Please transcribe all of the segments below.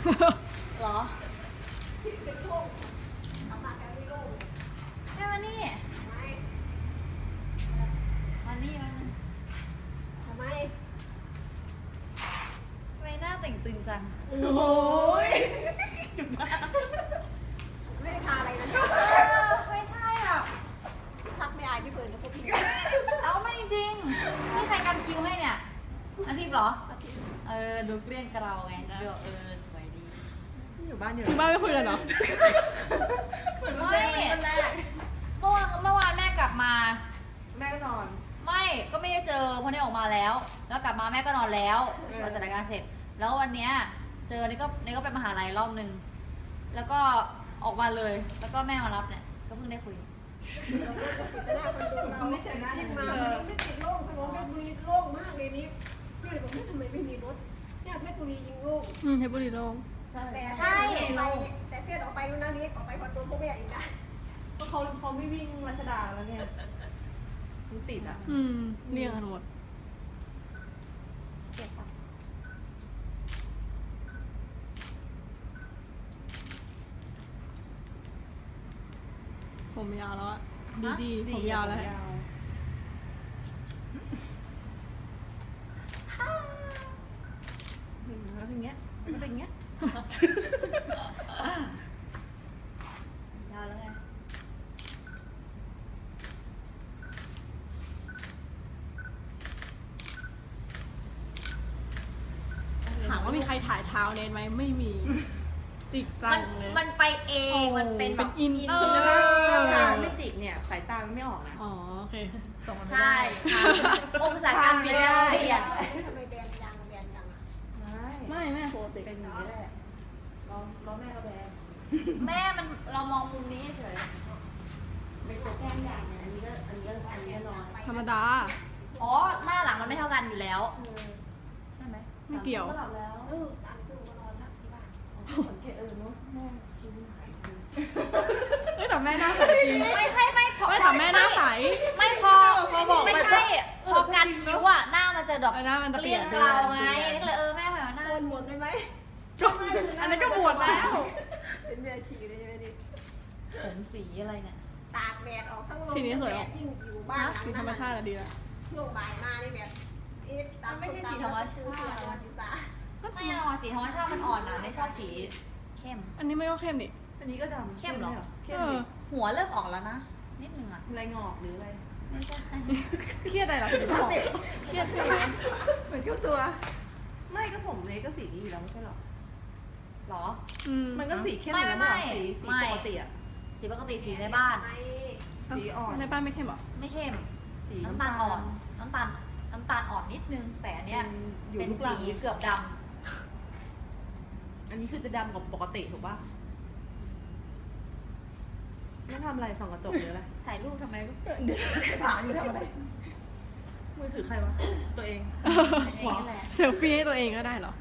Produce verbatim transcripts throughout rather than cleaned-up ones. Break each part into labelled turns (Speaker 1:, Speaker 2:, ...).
Speaker 1: เหรอ
Speaker 2: ที่เป็นโรคทำมาแค่ไม่โรค
Speaker 1: แม่มานี่
Speaker 2: ไม่
Speaker 1: มานี่มานี่
Speaker 2: ทำไม
Speaker 1: ทำไมหน้าแต่งตึงจัง
Speaker 2: โอ้ยจุดมากไม่ได้ทาอะไรนะเนี่ย
Speaker 1: ไม่ใช่อ่ะ
Speaker 2: ทักไม่อายพี่เฟิร์นนะพวกพี่
Speaker 1: เอาไม่จริงๆนี่ใครกันคิวให้เนี่ยอาทิตย์เหรอ เออดูเกลี้ยงเกลาไงดูเออสวยดี
Speaker 2: อยู่บ้านอยู่
Speaker 3: ที่บ้านไม่คุยกันเหรอ
Speaker 2: เหมือน
Speaker 1: ไม่
Speaker 2: เป็นแรก
Speaker 1: เมื่อวานเมื่อวานแม่กลับมา
Speaker 2: แม่ก็นอน
Speaker 1: ไม่ก็ไม่ได้เจอเพราะได้ออกมาแล้ว แล้วกลับมาแม่ก็นอนแล้ว
Speaker 2: เออ
Speaker 1: เราจัดรายการเสร็จ แล้ววันเนี้ยเจอนี่ก็นี่ก็ไปมหาลัยรอบนึงแล้วก็ออกมาเลย แล้วก็แม่มารับเนี่ยก็เพิ่งได้คุย
Speaker 2: แต่หน้าคนดูเราไม่เจอหน้ายิ่งมาวันนี้ไม่ติดโล่งถนนเพชรบุรีโล่งมากเลยนี่ก็เลยบอกว่าทำไมไม่มีรถเนี่ยเพชรบุรียิงโล่ง
Speaker 3: อืมเพชรบุรีโล่ง
Speaker 2: แต่
Speaker 1: ใช่
Speaker 2: ไปแต่เสียดออกไปนู่นนั่นนี่ออกไปคอนโดพวกแม่อีกนะก็เขาเขาไม่วิ่งรัชดาแล้วเนี่ยมันติดอ่ะ
Speaker 3: อืมเรียงกันหมด
Speaker 1: เก็บปะ
Speaker 3: ผมยาวแล้วอะดีดีๆผมยาวแล้ว
Speaker 2: แล้วทีเงี้ยมันเป็นอย่างเงี้ย
Speaker 1: ยาวแล้วไง
Speaker 3: ถามว่ามีใครถ่ายเท้าเนทไหมไม่มี จิกจั
Speaker 1: มัน
Speaker 3: งเลย
Speaker 1: มันไปเองมันเป็นแบบ
Speaker 3: เป็นอินเตอร์
Speaker 1: เออ
Speaker 2: ถ้าไม่จิกเนี่ยสายตามันไม่ออกนะ
Speaker 3: อ๋อโอเคส่งมาไม่
Speaker 1: ใช่
Speaker 3: ได้
Speaker 1: องศาการบินจะเปลี่ยน
Speaker 2: ทำไมแบนยางแบนจังอ่ะ
Speaker 3: ไม่แม่ปกติ
Speaker 2: เป็นอย่างนี้แหละเราเราแม่ก็แบน
Speaker 1: แม่มันเรามองมุมนี้เฉย
Speaker 2: เป็นตัวแก้มใหญ่ไงอันนี้ก็อันนี้ก็อันนี้ก็นอน
Speaker 3: ธรรมดา
Speaker 1: อ๋อหน้าหลังมันไม่เท่ากันอยู่แล้ว
Speaker 2: เออ
Speaker 1: ใช่ไหม
Speaker 3: ไม่เกี่ยว
Speaker 2: ก็หลับแล้วเออสามทุ่มก็นอนแล้วที่บ้านสังเกตเออเนาะแม่คิ้วหายไป
Speaker 3: เอ้ยแต่แม่หน้าใสจริง
Speaker 1: ไม่ใช่ไม่พอ
Speaker 3: ไม่แต่แม่หน้าใส
Speaker 1: ไม่พอไม่ใช่พอการคิ้วอ่ะหน้ามันจะแบบ
Speaker 3: เออหน้ามันจะ
Speaker 1: เกลี้ยง
Speaker 3: เปลี่
Speaker 1: เก
Speaker 3: ยน
Speaker 1: ลาไงนี่ก็เลยเออแม่หอยหน้า
Speaker 2: โกนหมดได้ไหม
Speaker 3: ก็อันนั้นก็บวชแล้ว
Speaker 2: เป็นเมียชีเลยใช่ไหมดิ
Speaker 1: ผมสีอะไรเนี่ย
Speaker 2: ตากแดดออกทั้งลม
Speaker 3: สีนี้สวยออก
Speaker 2: ยิ่งอยู่บ้าน
Speaker 3: สีธรรมชาติอะดีแล้ว
Speaker 2: ช่วงบ่ายมานี่แบบเอ๊ะตามเสียประวัติศาสตร์
Speaker 1: ไม่เอาอะสีธรรมชาติมันอ่อนนะไม่ชอบสีเข้ม
Speaker 3: อันนี้ไม่ก็เข้มนี่
Speaker 4: อันนี้ก็ดำ
Speaker 1: เข้มเหรอ
Speaker 4: เข้
Speaker 3: เอ
Speaker 4: ม
Speaker 3: อ
Speaker 4: ดิ
Speaker 1: หัวเริ่มออกแล้วนะนิดนึงอ่ะ
Speaker 4: อะไรงอกหรืออะไร
Speaker 1: ไม่ใช่
Speaker 3: เครียดอะไรเหรอถึงบอกเครียดใช่ไหม
Speaker 4: เหมือนเกี่ยวตัว ไม่ก็ผมเลยก็สีนี้อยู่แล้วไม่ใช่หรอ
Speaker 1: หรอ
Speaker 3: อืม
Speaker 4: มันก็สีเข้ม
Speaker 1: ไม่
Speaker 4: อยู่แล้ว
Speaker 1: ไม่
Speaker 4: ไม่สีสี
Speaker 1: ไม่
Speaker 4: ปกติอะ
Speaker 1: สีปกติสีในบ้าน
Speaker 4: สีอ่อน
Speaker 3: ในบ้านไม่เข้มเหรอ
Speaker 1: ไม่เข้ม
Speaker 4: สี
Speaker 1: น้ำตาลอ่อนน้ำตาลน้ำตาลอ่อนนิดนึง แต่อันเนี้ย
Speaker 4: อยู่
Speaker 1: เป็น
Speaker 4: ลูกหลั
Speaker 1: สี
Speaker 4: ง
Speaker 1: เกือบด
Speaker 4: อันนี้คือจะดำกว่าปกติถูกป่ะนั่นทำอะไรส่องกระจกหรืออะไร
Speaker 1: ำถ่ายรูปทำไมลูก
Speaker 4: เดี๋ยวถามอยู่ทำอะไรมือถือใครวะตัวเอง
Speaker 1: เป็นอย่างนี้แหละ
Speaker 3: เซลฟี่ให้ตัวเองก็ได้เหรอ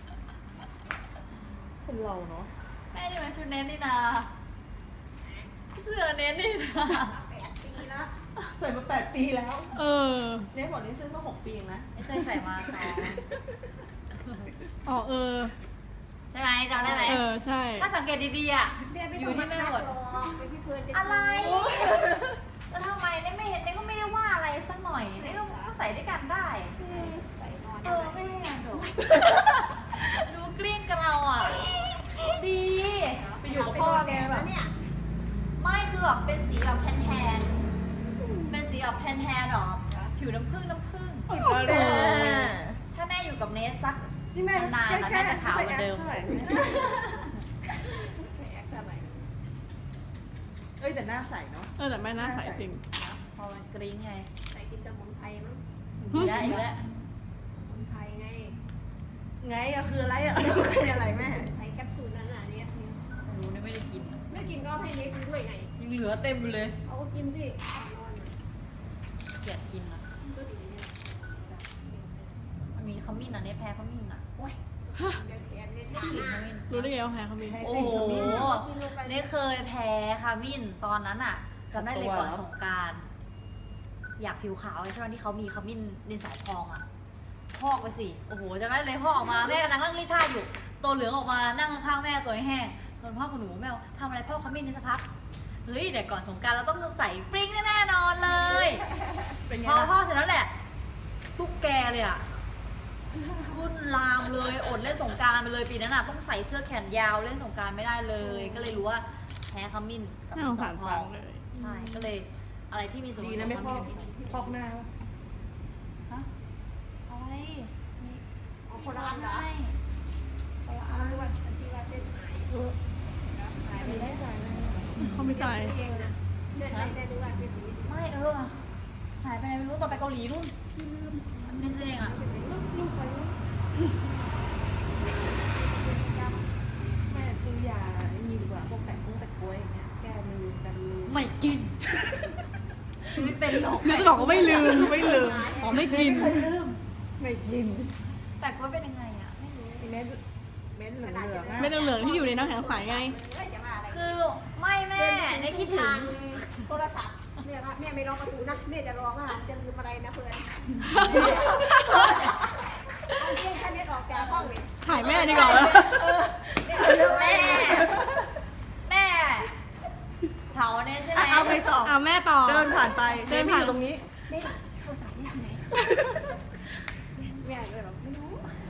Speaker 4: คนเราเนาะ
Speaker 1: แม่นี่มันชุดเน้นนี่นาเสื้อเน้นนี่นา
Speaker 2: แปดปีแล้ว
Speaker 4: ใส่มาแปดปีแล้ว
Speaker 3: เออ
Speaker 4: เนี่ยบอกนี่ซื้อมาหกปีเองนะ
Speaker 1: ไม่เคยใส่มาสอง
Speaker 3: อ๋อเออ
Speaker 1: ใช่ไหมจำได้ไหม
Speaker 3: เออใช่
Speaker 1: ถ้าสังเกตดีๆอ่ะ
Speaker 2: เนี่ยไม่
Speaker 1: อ
Speaker 2: ต้อยู่ ง
Speaker 1: ที่
Speaker 2: มา
Speaker 1: แม่
Speaker 2: คัด
Speaker 1: หมด
Speaker 2: หรอกเป็นพี่เพื่อนเด็ก
Speaker 1: อะไรแล้วทำไมเนี่ยไม่เห็นเนี่ยก็ไม่ได้ว่าอะไรสักหน่อยเนี่ยก็ก็ใส่ด้วยกันได้
Speaker 2: ใส่นอน
Speaker 1: เออแม่ดูดูเกลี้ยงกับเราอ่ะ ดี
Speaker 4: ไปอยู่กับพ่อแกแบบ
Speaker 2: เนี่ย
Speaker 1: ไม่คือแบบเป็นสีแบบแทนๆเป็นสีแบบแทนๆหรอผิวน้ำผึ้งน้ำผึ้ง
Speaker 4: โอ้โห
Speaker 1: ถ้าแม่อยู่กับเนสสัก
Speaker 4: นี่แม่
Speaker 1: นานๆนะแม่จะขาวเหมือนเดิม
Speaker 4: ท่าไหร่
Speaker 2: แอคทำไม
Speaker 4: เอ้ยแต่หน้าใสเนาะ
Speaker 3: เออแต่แม่หน้าใสจริง
Speaker 1: พอมันกริ้งไง
Speaker 2: ใส่กินสมุนไพรมั้ง
Speaker 1: อีกแล้วอีกแล้ว
Speaker 2: สมุนไพรไง
Speaker 4: ไงอะคืออะไรอะคืออะไรแม่
Speaker 2: ไพรแคปซูลนั้นน่ะเนี่ย
Speaker 1: โอ้โหนี่ไม่ได้กินอะ
Speaker 2: ไม่กินก็ให้เน็กกินด้วยไง
Speaker 1: ยังเหลือเต็มอยู่เลย
Speaker 2: เอาก็กินสินอน
Speaker 1: เกลียดกินอ่ะ
Speaker 2: ก็ดีเนี่ย
Speaker 1: มันมีขมิ้นอ่ะเนี่ยแพ้ขมิ้นอ่ะโอ้ย
Speaker 2: เดี๋ยวแขนเนี่ย
Speaker 1: ไม่
Speaker 2: ทา
Speaker 1: กิน
Speaker 2: ห
Speaker 1: ข
Speaker 2: น้า
Speaker 1: มิ้น
Speaker 3: รู้ได้ไงว่าแพ้เขามี
Speaker 1: โอ้โหเนี่ยเคยแพ้ขมิ้นตอนนั้นอ่ะจำได้เลยก่อนสงกราร อยากผิวขาวใช่ไหมที่เขามีขมิ้นดินสอพองอ่ะพอกไปสิโอ้โหจะได้เลยพอกออกมาแม่กำลังนั่งรีดผ้าอยู่ตัวเหลืองออกมานั่งข้างๆแม่ตัวแห้งโดนพ่อของหนูแม่ทำอะไรพ่อขมิ้นนี่สักพักเฮ้ยเดี๋ยวก่อนสงกรานต์เราต้องใส่ปริ้งแน่ๆนอนเลย
Speaker 4: เป็นไง
Speaker 1: พอพ่อ
Speaker 4: ล่ะ
Speaker 1: เสร็จแล้วแหละตุ๊กแกเลยอ่ะขึ้นลามเลยอดเล่นสงกรานต์ไปเลยปีนั้นอ่ะต้องใส่เสื้อแขนยาวเล่นสงกรานต์ไม่ได้เลย ก็เลยรู้ว่าแพ้ขมิ้นกับ
Speaker 3: น่าสงสาร
Speaker 1: ท
Speaker 3: จั
Speaker 1: อง ง
Speaker 3: เลย
Speaker 1: ใช่ก็เลยอะไรที่มีส่วนผ
Speaker 4: ดี
Speaker 1: ส
Speaker 4: นะ
Speaker 1: ม
Speaker 4: ไม่พอก
Speaker 1: ขมิ้น
Speaker 4: พอกหน้าวะ
Speaker 1: ฮะอะไรนี่
Speaker 2: เอาคนละอันเหรอ
Speaker 1: ไม่คนละ
Speaker 2: เอา
Speaker 1: อัน
Speaker 2: ที่ว่าอันที่ว่าเส้นหาย
Speaker 4: เออ
Speaker 2: หายไป
Speaker 4: ไม่
Speaker 2: แล้
Speaker 4: ได้
Speaker 2: ว
Speaker 4: ใจเลย
Speaker 3: เขาไม่ใส่
Speaker 2: เองนะแม่ได้ดูว่าเส้นนี้
Speaker 1: ไม่เออหายไปไหนไม่รู้ตอนไปเกาหลีนู่นนี่ซื้อเองอ่ะ
Speaker 2: ลูกไปลูก
Speaker 4: แม่ซื้อยาไอ้นี่ดีกว่าพวกแปะกุ้งแปะกล้วยอย่างเงี้ยแก้ลืมกันลืม
Speaker 1: ไม่กินไม่เป็นหรอก
Speaker 3: นึกจะบอกว่าไม่ลืม
Speaker 4: ไม่ลืม
Speaker 3: อ๋อไม่กิน
Speaker 4: ไม่กิน
Speaker 1: แต่ว่าเป็นยังไงอ่ะไม่รู้
Speaker 4: ไอ้เม็ดเม็ดเหลืองๆอะ
Speaker 3: เม็ดเหลืองๆที่อยู่ในน้ำแข็งใสไง
Speaker 2: จะว่าอะไร
Speaker 1: คือไม่แม่ในคิดถึง
Speaker 2: โทรศัพท์แม่ว่าแม่ไม่รอประตูนะแม่จะรอว่าจะลืมอะไรนะเพื่อนเอาเที่ยงแค่นี้ออกจากห้องเลย
Speaker 3: ถ่ายแม่ดีกว่า
Speaker 2: แม่
Speaker 1: แม่แม่เผาเนี่ยใช่ไหม
Speaker 4: อ่ะเอาไปต่อ
Speaker 3: เอาแม่ต่อ
Speaker 4: เดินผ่านไป
Speaker 3: เดินผ่าน
Speaker 4: อยู่ตรงนี้
Speaker 2: แม่โทรศัพท์นี่ที่ไหนแม่เลยแบบไม่รู้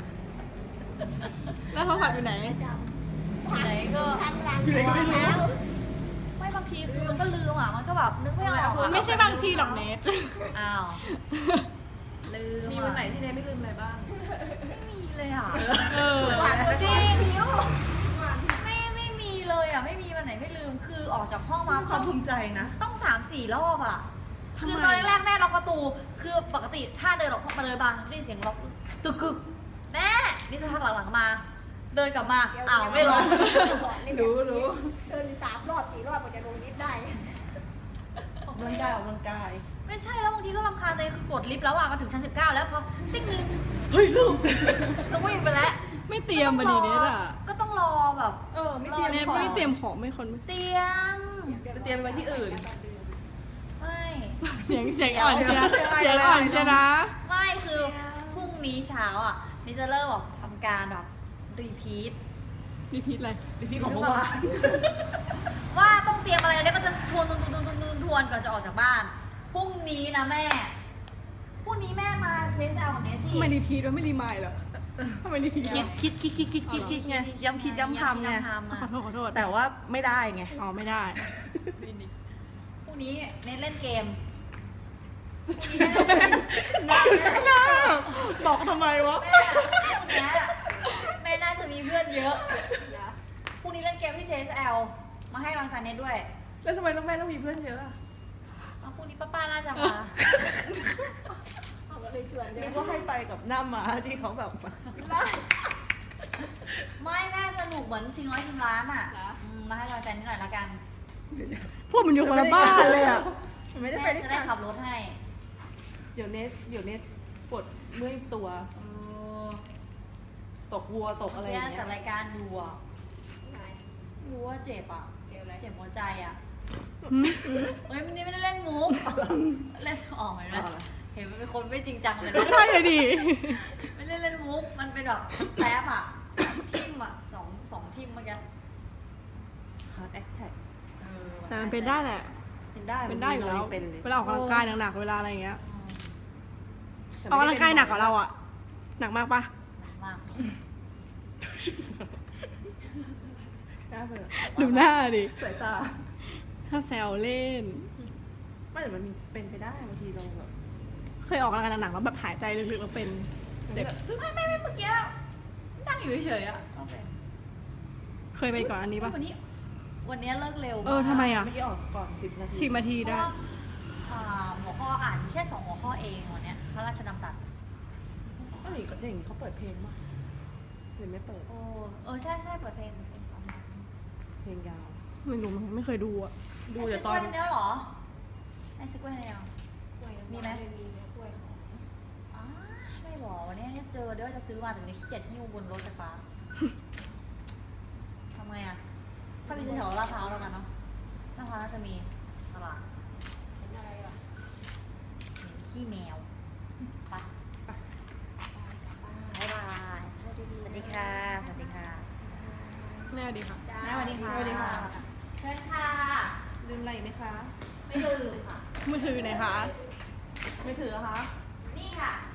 Speaker 3: แล้วโทรศัพท์อยู่ไหน
Speaker 1: ไหนก็
Speaker 2: ทันหลัง
Speaker 1: วาง
Speaker 2: แล้
Speaker 1: แล้ว วไม่บางทีคือมันก็ลืมอ่ะมันก็แบบนึกไม่ออกอ่ะ
Speaker 3: ไม่ใช่บางทีหรอกเนท
Speaker 1: อ้าวลืม
Speaker 4: มีวันไหนที่เนยไม่ลืมอะไรบ้าง
Speaker 1: ไม่มีเลยอ่ะ
Speaker 3: เออ
Speaker 1: จริงไม่ไม่มีเลยอ่ะไม่มีวันไหนไม่ลืมคือออกจากห้องมา
Speaker 4: ความภูมิใจนะ
Speaker 1: ต้องสามสี่รอบอ่ะ
Speaker 3: ทำไม
Speaker 1: คือตอนแรกๆแม่ล็อกประตู คือปกติถ้าเดินออกมาเลยมาได้ยินเสียงล็อกตึกกึกแม่นี่สักพักหลังๆมา เดินกลับมาอ้าวไม่ล็อก
Speaker 2: รู้รู้เดินสามรอบสี่รอบกว่าจะลงลิฟต์ได้
Speaker 4: ออกกำลังกายออกกำลังกาย
Speaker 1: ไม่ใช่แล้วบางทีก็รำคาญเลยคือกดลิฟต์แล้วอ่ะมาถึงชั้นสิบเก้าแล้วพอติ๊กนึงเฮ้ยลืมต้องวิ่งไปแล้ว
Speaker 3: ไม่เตรียมมาดีเนทอ่ะ
Speaker 1: ก็ต้องรอแบบ
Speaker 4: เออไม่เตรียม
Speaker 3: เนท
Speaker 4: ของ
Speaker 3: ไม่เตรียมของไม่คน
Speaker 1: เตรียม
Speaker 4: จะเตรียมไว้ที่อื่น
Speaker 1: ไม่
Speaker 3: เสียงเสียงอ่อนเชียเสียงอ่อนเชียนะ
Speaker 1: ไม่คือพรุ่งนี้เช้าอ่ะนี่จะเริ่มแบบทำการแบบรีพีท
Speaker 3: รีพีทอะไร
Speaker 4: พี่ของเมื่อวาน
Speaker 1: ว่าต้องเตรียมอะไรแล้วก็จะทวนทวนทวนทวนทวนทวนก่อนจะออกจากบ้านพรุ่งนี้นะแม่พรุ่งนี้แม่มาเจ๊จะเอาของเนซี่
Speaker 3: ทำไมรีพีทวะไม่รีมายเหรอทำไมรีพีท
Speaker 4: คิดคิดคิดคิดคิดคิดคิดไงย้ำคิดย้ำทำไง
Speaker 1: ย้ำคิดย้ำทำ
Speaker 3: ขอ
Speaker 1: อะ
Speaker 3: โทษขอโทษ
Speaker 4: แต่ว่าไม่ได้ไง
Speaker 3: อ๋อไม่ได้
Speaker 1: พรุ่งนี้เน้นเล่นเกม
Speaker 3: น่าบอกทำไมวะ
Speaker 1: แม่พรุ่งนี้แม่น่าจะมีเพื่อนเยอะพรุ่งนี้เล่นเกมที่ เจ เอส แอล มาให้กำลังใจเน็ตด้วย
Speaker 4: แล้วทำไมต้องแม่ต้องมีเพื่อนเยอะอะ
Speaker 1: เอาพรุ่งนี้ป้าป้าน่าจะมา
Speaker 2: เขาก็เลยชวน
Speaker 4: นึ
Speaker 2: เดี๋ย
Speaker 4: กว่าให้ไปกับหน้าม้าที่เขาแบบ
Speaker 1: ไม่แม่สนุกเหมือนชิงร้อยชิงล้านอ่ะอืมมาให้กำลังใจนิดหน่อยละกัน
Speaker 3: พวกมันอยู่คนละบ้านเลยอ่ะ
Speaker 4: มันไม่ได้
Speaker 1: แม่
Speaker 4: ไปด้วย
Speaker 1: จะ
Speaker 4: กั
Speaker 1: ได้
Speaker 4: น
Speaker 1: ขับรถให้
Speaker 4: เดี๋ยวเน็ตเดี๋ยวเน็ตปวดเมื่อยตัว
Speaker 1: เออ
Speaker 4: ตกวัวตกอะไรอ
Speaker 1: เมื่
Speaker 4: ย่า
Speaker 1: อง กี้
Speaker 4: เงี้
Speaker 1: จัด
Speaker 4: ย
Speaker 1: รายการดูอ่ะรู้ว่าเจ็บอ่ะ เจ็บหัวใจอ่ะ
Speaker 3: หืม
Speaker 1: เฮ้ยวันนี้ไม่ได้เล่นมุก เล่นออกเห็นไหม
Speaker 4: เอาเหรอ
Speaker 1: เห็นมันเป็นคนไม่จริงจังเลย
Speaker 3: ก็
Speaker 1: นะ
Speaker 3: ใช่เลยดิ
Speaker 1: ไม่ได้เล่นมุก มันเป็นแบบแซฟอ่ะ ทิมอ่ะสองสองทิมเมื่อกี้
Speaker 4: ฮาร์ดแอคแท็ก
Speaker 1: เออ
Speaker 3: แต่มันเป็นได้แหละ
Speaker 4: เป็นได้
Speaker 3: เป็นได้อยู่แล้ว
Speaker 4: เป็นเลย
Speaker 3: เวลาออกกำลังกายหนักๆเวลาอะไรอย่างเงี้ย
Speaker 1: อืม
Speaker 3: ออกกำลังกายหนักกว่าเราอ่ะ หนักมากปะ
Speaker 1: หนักมาก
Speaker 4: หน้าเบื่อ
Speaker 3: ดูหน้าดิ
Speaker 4: สายตา
Speaker 3: ถ้าแซวเล่น
Speaker 4: ไม่แต่มันมีเป็นไปได้บางทีเราแบบ
Speaker 3: เคยออกกำลังกายหนักๆแล้วแบบหายใจลึกๆแล้วเป็น เจ็บ
Speaker 1: ไม่ไม่ไม่เมื่อกี้นั่งอยู่เฉยๆอ่ะโอเค
Speaker 3: เคยไปก่อนอันนี้ปะ
Speaker 1: วันนี้ วันนี้เลิกเร็ว
Speaker 3: เออทำไมอ่ะ
Speaker 4: เมื่อกี้ออกก่อนสิบนาที
Speaker 3: สิบนาที
Speaker 1: เพ
Speaker 3: ได้
Speaker 1: ราะว่าอ่าหัวข้ออ่านแค่สองหัวข้อเองวันเนี้ยพระราชดำรัส
Speaker 4: ก็อย่างนี้อย่างนี้เขาเปิดเพลงมั้ยหรือไม่เปิด
Speaker 1: โอ้เออใช่ใช่เปิดเพลงเปิดเพลงตอนนั้น
Speaker 4: เพลงยาว
Speaker 3: ไม่รู้มันไม่เคยดูอ่ะ
Speaker 4: ดูแต่ตอน
Speaker 1: ไอซิกเวย์เนี้ยเหรอไอซิกเวย์เนี้ยมีไหม
Speaker 2: มีนะกล้วยหอม
Speaker 1: อ่าไม่บอกวันนี้เนี่ยเจอเดี๋ยวจะซื้อมาแต่นี้ขี้เกียจหิ้วบนรถไฟฟ้า ทำไงอ่ะ ถ้ามีแถวลาดพร้าวแล้วกันเนาะลาดพร้าวน่าจะมีตลาด
Speaker 2: เห็นอะไรอ่ะ
Speaker 1: ขี้แมวไป
Speaker 4: ก
Speaker 1: ดีค่ะ สวัสดีค่ะ
Speaker 3: แม่สวัสดีค่ะ
Speaker 1: แม่สวัสดีค่ะ
Speaker 4: สวัสดีค่ะ
Speaker 1: เชิญค่ะ
Speaker 4: ลืมอะไรไหมคะ
Speaker 1: ไม่ลืมค่ะ
Speaker 3: มือถือไหนคะ
Speaker 4: ไม่ถือเหรอคะ
Speaker 1: นี่ค่ะ